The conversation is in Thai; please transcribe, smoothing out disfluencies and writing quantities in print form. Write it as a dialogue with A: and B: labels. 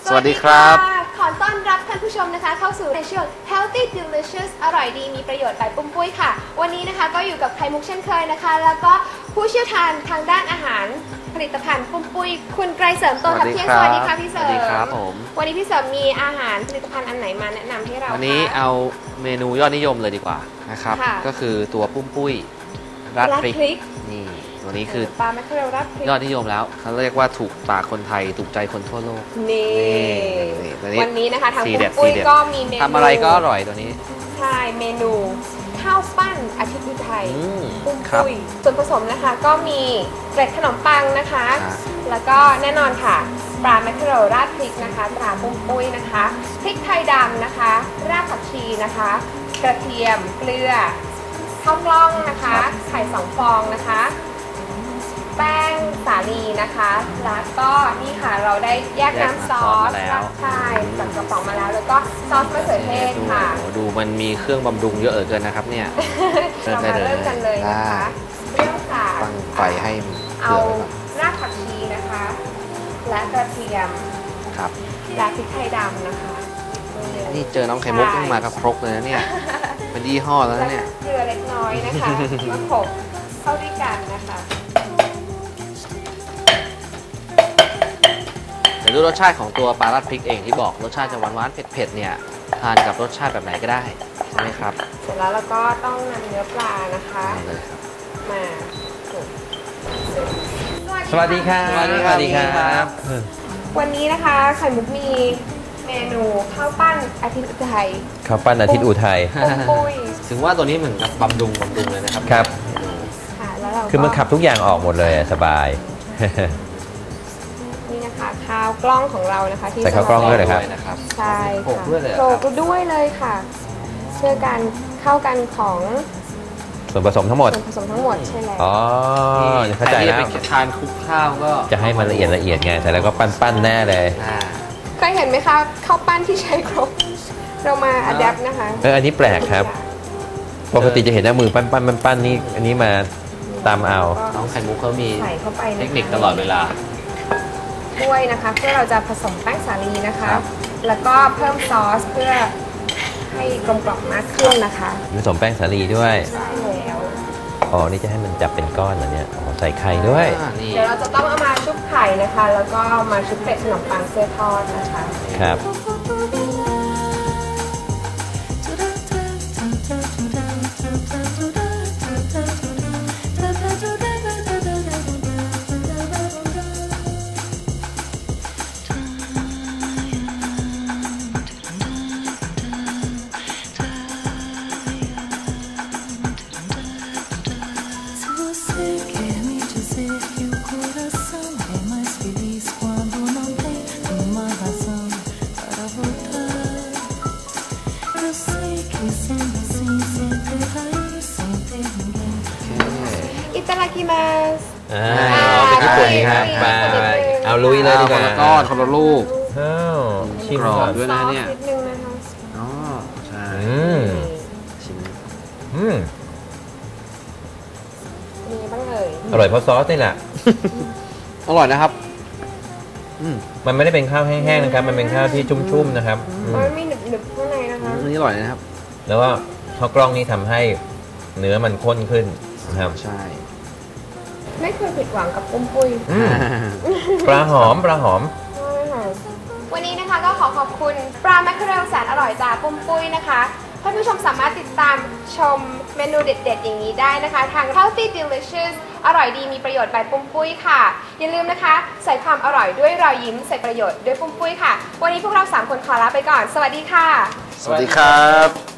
A: สวัสดีครับ
B: ขอต้อนรับท่านผู้ชมนะคะเข้าสู่ในช่วง Healthy Delicious อร่อยดีมีประโยชน์แบบปุ้มปุ้ยค่ะวันนี้นะคะก็อยู่กับไข่มุกเช่นเคยนะคะแล้วก็ผู้เชี่ยวชาญทางด้านอาหารผลิตภัณฑ์ปุ้มปุ้ยคุณไกรเสริมโตทับเที่ยงสวัสดีค่ะพี่เสริม
A: สวัสดีครับผม
B: วันนี้พี่เสริมมีอาหารผลิตภัณฑ์อันไหนมาแนะนำให้เรา
A: วันนี้เอาเมนูยอดนิยมเลยดีกว่านะครับก็คือตัวปุ้มปุ้ยราดพริกนี่ตัวนี้คือ
B: ปลาแมคเคอเรลราดพริก
A: ยอดนิยมแล้วเขาเรียกว่าถูกปากคนไทยถูกใจคนทั่วโลก
B: นี่วันนี้นะคะทางปุ้มปุ้ยก็มีเมนู
A: ทำอะไรก็อร่อยตัวนี้
B: ใช่เมนูข้าวปั้นอาทิตย์อุทัยปุ้มปุ้ยส่วนผสมนะคะก็มีเกล็ดขนมปังนะคะแล้วก็แน่นอนค่ะปลาแมคเคอเรลราดพริกนะคะตราปุ้มปุ้ยนะคะพริกไทยดำนะคะรากผักชีนะคะกระเทียมเกลือข้าวกล้องนะคะไข่2 ฟองนะคะแป้งสาลีนะคะแล้วก็นี่ค่ะเราได้แยกน้ำซอสใช่จากกระป๋องมาแล้วแล้วก็ซอสมะเขือเทศค่ะ
A: ดูมันมีเครื่องบำรุงเยอะเกินนะครับเนี่ย
B: เรามาเริ่มกันเลยนะคะเริ่มจาก
A: ตั้งไฟให้
B: เอารากผักชีนะคะและกระเทียม
A: ครับ
B: และพริกไทยดำนะคะ
A: นี่เจอน้องไข่มุกต้องมากับครกเลยนะเนี่ยเป็นยี่ห้อแล้วเนี่ย
B: เกลือเล็กน้อยนะคะมาโขลกเข้าด้วยกันนะคะ
A: เดี๋ยวดูรสชาติของตัวปลาราดพริกเองที่บอกรสชาติจะหวานๆเผ็ดๆเนี่ยทานกับรสชาติแบบไหนก็ได้ใช่ไหมครับ
B: เสร็จแล้วเราก็ต้องนำเนื้อปลานะคะมา
C: สวัสดีครับ
A: สวัสดีครับ
B: วันนี้นะคะไข่มุกมีเมนูข้าวปั้นอาทิตย์อุทัย
C: ข้าวปั้นอาทิตย์อุทัย
A: ถึงว่าตัวนี้เหมือนกับบำรุงเลยนะครับ
C: ครับคือมันขับทุกอย่างออกหมดเลยสบาย
B: นี่นะคะข้าวกล้องของเรานะคะที่
C: ใส่ข้าวกล้องด้วยนะครับ
B: ใช่ค่ะโขลกด้วยเลยค่ะเพื่อการเข้ากันของ
C: ส่วนผสมทั้งหมด
B: ใช่แล้ว
C: อ๋อเข้าใจแล้ว
A: ทานคลุกข้าวก็
C: จะให้มันละเอียดไงแต่แล้วก็ปั้นแน่เลย
B: เคยเห็นไหมคะข้าวปั้นที่ใช้ครกเรามาอัดแอปนะคะ
C: อันนี้แปลกครับปกติจะเห็นหน้ามือปั้นนี่อันนี้มาตามเอา
A: น้องไข่มุกเขามี
B: ใส่เข้าไป
A: เทคนิคตลอดเวลา
B: ด้วยนะคะเพื่อเราจะผสมแป้งสาลีนะคะแล้วก็เพิ่มซอสเพื่อให้กลมกล่อมมากขึ้นนะคะ
C: ผสมแป้งสาลีด้วย
B: ใช่แล้ว
C: อ๋อนี่จะให้มันจับเป็นก้อนเหรอเนี่ยใส่ไข่ด้วย
B: เดี๋ยวเราจะต้องเอามาชุบไข่นะคะแล้วก็มาชุบเป็ดขนมปังเสื้อทอดนะคะ
C: ครับ
B: อิตาลีกิมาส
C: เป็นญี่ปุ่นนี่ครับมาเอาลุยเลยดีกว่า
A: คนละก้อนคนละลูก
C: ชิม
A: ก่อนด้วยนะเนี่ย
B: อ๋อ
A: ใช่ชิม
B: มีบ้างเลย
C: อร่อยเพราะซอสนี่แหละ
A: อร่อยนะครับ
C: มันไม่ได้เป็นข้าวแห้งๆนะครับมันเป็นข้าวที่ชุ่มๆนะครับ
B: มันมีหนึบๆข้างในนะคะ
A: อันนี้อร่อยนะครับ
C: แล้วก็ข้าวกล้องนี้ทำให้เนื้อมันข้นขึ้นนะครับ
A: ใช่
B: ไม่เคยผิดหวังกับปุ้มปุ้ย
C: ปลาหอม
B: วันนี้นะคะก็ขอบคุณปลาแมคเคอเรลแสนอร่อยจากปุ้มปุ้ยนะคะท่านผู้ชมสามารถติดตามชมเมนูเด็ดๆอย่างนี้ได้นะคะทาง Healthy Delicious อร่อยดีมีประโยชน์byปุ้มปุ้ยค่ะอย่าลืมนะคะใส่ความอร่อยด้วยรอยยิ้มใส่ประโยชน์ด้วยปุ้มปุ้ยค่ะวันนี้พวกเรา3 คนขอลาไปก่อนสวัสดีค่ะ
A: สวัสดีครับ